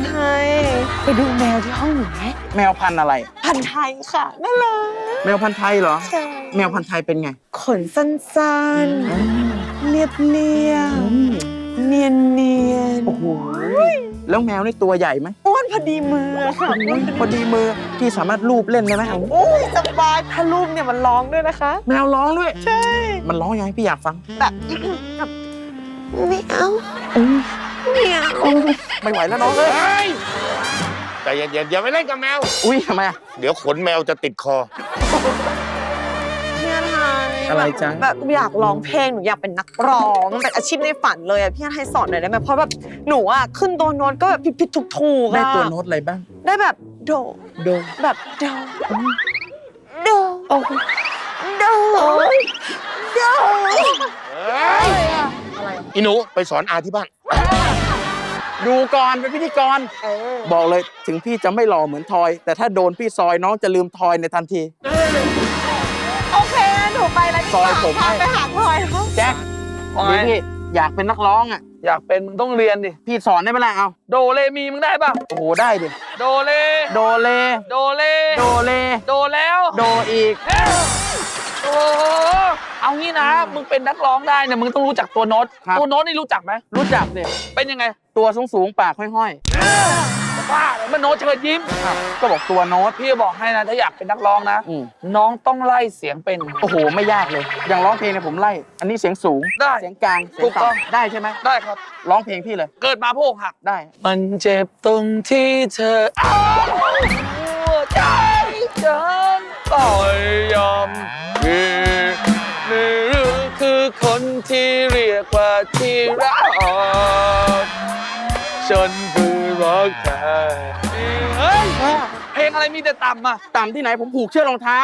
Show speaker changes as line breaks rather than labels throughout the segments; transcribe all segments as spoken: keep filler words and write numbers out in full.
ไทยไปดูแมวที่ห้องหนูไหม
แมวพันธุ์อะไร
พันธุ์ไทยค่ะน่ารัก
แมวพันธุ์ไทยเหรอ
ใช่
แมวพันธุ์ไทยเป็นไง
ขนสั้นๆเรียบเรียบเนียนเนียน
โอ้โหแล้วแมวนี่ตัวใหญ่ไหม
อ้วนพอดีมือค่ะ
พอดีมือพี่สามารถลูบเล่นได้ไหม
โอ้ยสบายถ้าลูบเนี่ยมันร้องด้วยนะคะ
แมวร้องด้วย
ใช่
มันร้องยังไงพี่อยากฟัง
แบบแบบไม่เอาไม่เอา
ไม่ไหวแล้วน้องเอ้ย
แต่เย็นๆอย่าไปเล่นกับแมว
อุ้ยทำไมอ่ะ
เดี๋ยวขนแมวจะติดคอ
พี่ไทย
อะไรจ๊ะ
แบบอยากร้องเพลงหนูอยากเป็นนักร้องเป็นอาชีพในฝันเลยอ่ะพี่ไทยสอนหน่อยได้ไหมเพราะแบบหนูอ่ะขึ้นตัวโน้ตก็แบบผิดๆถูกๆ
ได้ตัวโน้ตอะไรบ้าง
ได้แบบโด
โด
แบบโดโดโอ้โดโด
อีหนูไปสอนอาที่บ้าน
ดูก่อนเป็นพิธีกรบอกเลยถึงพี่จะไม่หล่อเหมือนทอยแต่ถ้าโดนพี่ซอยน้องจะลืมทอยในทันที
โอเคหนูไปแล้ว
ซอยผมให้
ไปหาทอย
แจ็คพี่อยากเป็นนักร้องอ่ะ
อยากเป็นมึงต้องเรียนดิ
พี่สอนได้ไหมล่ะเอา
โดเลมีมึงได้ป่ะ
โอ้โหได้ดิ
โดเล
โดเล
โดเล
โดเล
โดแล้ว
โดอีก
โอ้เอางี้นะมึงเป็นนักร้องได้เนี่ยมึงต้องรู้จักตัวโน้ตตัวโน้ตนี่รู้จักไหม
รู้จักเนี่ย
เป็นยังไง
ตัวสูงสูงปากห้อย
ๆบ้าเหรอมันโน้ตเชิญยิ้ม
ก็บอกตัวโน้ต
พี่บอกให้นะถ้าอยากเป็นนักร้องนะน้องต้องไล่เสียงเป็น
โอ้โหไม่ยากเลยอย่างร้องเพลงเนี่ยผมไล่อันนี้เสียงสูง
ได้
เสียงกลาง
ถูกต้อง
ได้ใช่ไหม
ได้ครับ
ร้องเพลงพี่เลย
เกิดมาโพกหัก
ได้
มันเจ็บตรงที่เธอเอาหัวใจฉันต่อยยอมนี่นี่คือคนที่เรียกว่าที่รักฉันคือรักแท้เฮ้ยเพลงอะไรมีแต่ต่ำอ่ะ
ต่ำที่ไหนผมผูกเชือกรองเท้า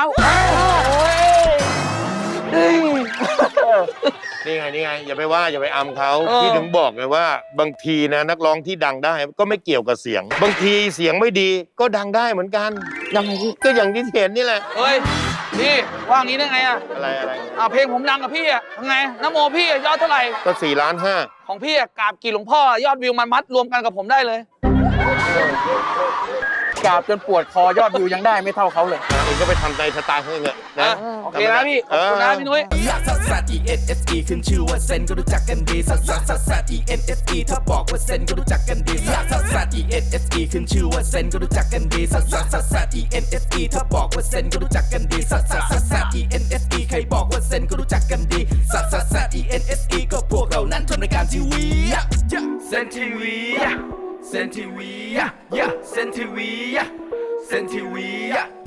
นี่ไงนี่ไงอย่าไปว่าอย่าไปอำเขาพี่ถึงบอกไงว่าบางทีนะนักร้องที่ดังได้ก็ไม่เกี่ยวกับเสียงบางทีเสียงไม่ดีก็ดังได้เหมือนกัน
ยังไง
ก็อย่างที่เห็นนี่แหละ
เฮ้ยพี่ว่างี้ได้ไงอะ
อะไรอะไร
อ่าเพลงผมดังกับพี่อะยังไงน้ำโมพี่ยอดเท่าไหร่
ก็สี่ล้านห้า
ของพี่อะกราบกี่หลวงพ่อยอดวิวมันมัดรวมกันกับผมได้เลย
กราบจนปวดคอยอดวิวยังได้ไม่เท่าเขาเลย
เองก็ไปทำใจสไตล์เขาเองนะ
โอเคนะพี่ขอบคุณนะพี่นุ้ย
ซัสซัส อี เอ็น เอส อี ขึ้นชื่อว่าเซนก็รู้จักกันดีซัสซัสซัสซัส อี เอ็น เอส อี ถ้าบอกว่าเซนก็รู้จักกันดีซัสซัสซัส อี เอ็น เอส อี ขึ้นชื่อว่าเซนก็รู้จักกันดีซัสซัสซัสซัส อี เอ็น เอส อี ถ้าบอกว่าเซนก็รู้จักกันดีซัสซัสซัสซัส อี เอ็น เอส อี ใครบอกว่าเซนก็รู้จักกันดีซัสซัสซัส อี เอ็น เอส อี ก็พวกเรานั้นทำรายการทีวีเซนทีวีเซนทีวีเซนทีวีเซนทีวี